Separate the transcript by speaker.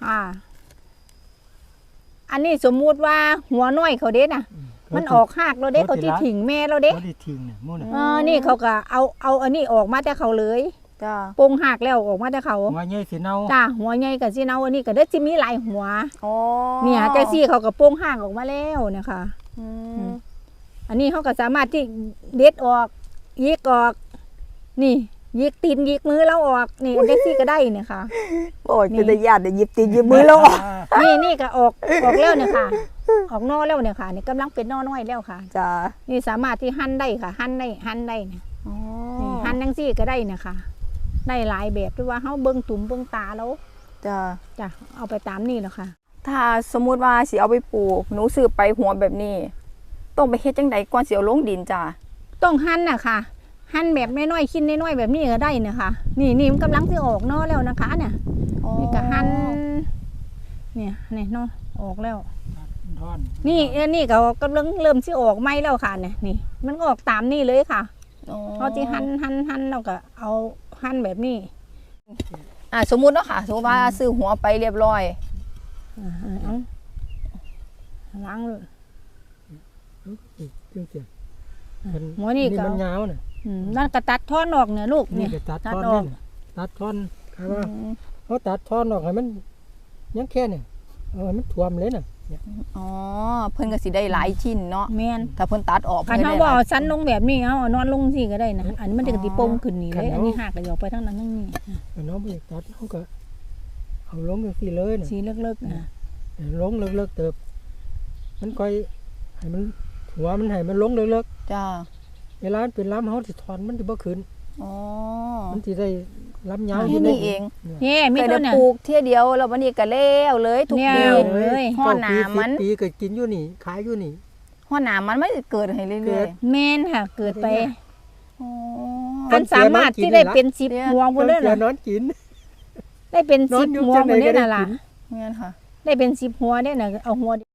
Speaker 1: อันนี้สมมุติว่าหัวน้อยเขาเด็ดน่ะมันออกหากเราเด็ดเขาที่ถิงแม่เราเด็ด
Speaker 2: เขาที่ถิงเนี่ยมู่น่ะ
Speaker 1: นี่เขาก็เอาอันนี้ออกมาแต่เขาเลย
Speaker 3: จ้า
Speaker 1: ปงหักแล้วออกมาแต่เขา
Speaker 2: หัวใหญ่สิเน่า
Speaker 1: จ้าหัวใหญ่กับสิเน่าอันนี้ก็เด้สิมีหลายหัว
Speaker 3: อ๋อ
Speaker 1: เนี่ยแต่ซี่เขาก็ปงหักออกมาแล้วนะคะอันนี้เขาก็สามารถที่เด็ดออกยิกออกนี่ยิกตีนยิกมือเราออกนี่เด็กซี่ก็ได้เนี่ยค่ะ
Speaker 3: โอ้ยเป็นญาติหยิบตีนหยิบมือเรา
Speaker 1: นี่ก็ออกแล้วเนี่ยค่ะออกนอแล้วเนี่ยค่ะนี่กำลังเป็นนอน้อยแล้วค่ะ
Speaker 3: จ้า
Speaker 1: นี่สามารถที่หั่นได้ค่ะหั่นได้เนี่ยนี่หั่นจังซี่ก็ได้เนี่ยค่ะได้หลายแบบด้วยว่าเขาเบิ้งตุ่มเบิ้งตาแล้วจ้ะเอาไปตามนี่แล้วค่ะ
Speaker 3: ถ้าสมมุติว่าสิเอาไปปลูกหนูซื้อไปหัวแบบนี้ต้องไปเฮ็ดจังไดก่อนสิเอาลงดินจ้า
Speaker 1: ต้องหั่นน่ะค่ะหั่นแบบน้อยๆชิ้นน้อยๆแบบนี้ก็ได้นะคะนี่มันกำลังจะออกนอแล้วนะคะเนี่ยนี่ก็หั่นเนี่ยนอออกแล้วนี่ก็กำลังเริ่มที่ออกไหมแล้วค่ะเนี่ยนี่มันออกตามนี่เลยค่ะเขาที่หั่นเราก็เอาหั่นแบบนี้
Speaker 3: สมมุติเนาะค่ะสมมติว่าซื้อหัวไปเรียบร้อย
Speaker 1: ล้างเลย
Speaker 2: หัวนี่ก็มันยาวน่ะ
Speaker 1: นั่นก็ตัดท่อนออกเนี่ยลูก
Speaker 2: นี่ก็ตัดท่อนตัดท่อนใช่ป่ะเขาตัดท่อนออกให้มันยังแค่เนี่ยมันท่วมเลยน่ะ
Speaker 3: อ๋อเพิ่นก็สิได้หลายชิ้นเนาะ
Speaker 1: แม่น
Speaker 3: ถ้าเพิ่นตัดออก
Speaker 1: คันเฮาบ่สั้นลงแบบนี้เอานอนลงสิก็ได้นะอันนี้มันจะติปงขึ้นนี่เลยอันนี้หักก็ยกไปทั้งนั้นทั้งนี้
Speaker 2: น้องบ่อยากตัดเฮาก็เอาลงจังซี่เลยน่ะ
Speaker 1: สีเลิกๆนะ
Speaker 2: ลงเลิกๆเติบมันค่อยให้มันหัวมันให้มันลงเลิก
Speaker 3: ๆจ้า
Speaker 2: เวลาเป็นลำเฮาสิถอนมันสิบ่ขึ้น
Speaker 3: อ๋อ
Speaker 2: มันสิได้ลำยาว
Speaker 3: อยู่นี่เอง
Speaker 1: มี
Speaker 3: ตัวเนี่ยปลูกเที่ยเดียวแล้ววันนี้ก็แล้วเลยทุกปี
Speaker 1: เลย
Speaker 3: ห่อหนามัน
Speaker 2: ปีก็กินอยู่นี่ขายอยู่นี่
Speaker 3: ห่อหนามันไม่เกิดให้เรื่อย
Speaker 1: ๆแม่นค่ะเกิดไปมันสามารถที่ได้เป็น10หัวบ่เลยล่ะ
Speaker 2: นอนกิน
Speaker 1: ได้เป็น10หัวบ่ได้น่ะล่ะ
Speaker 3: แม่นค่ะ
Speaker 1: ได้เป็น10หัวได้น่ะเอาหัว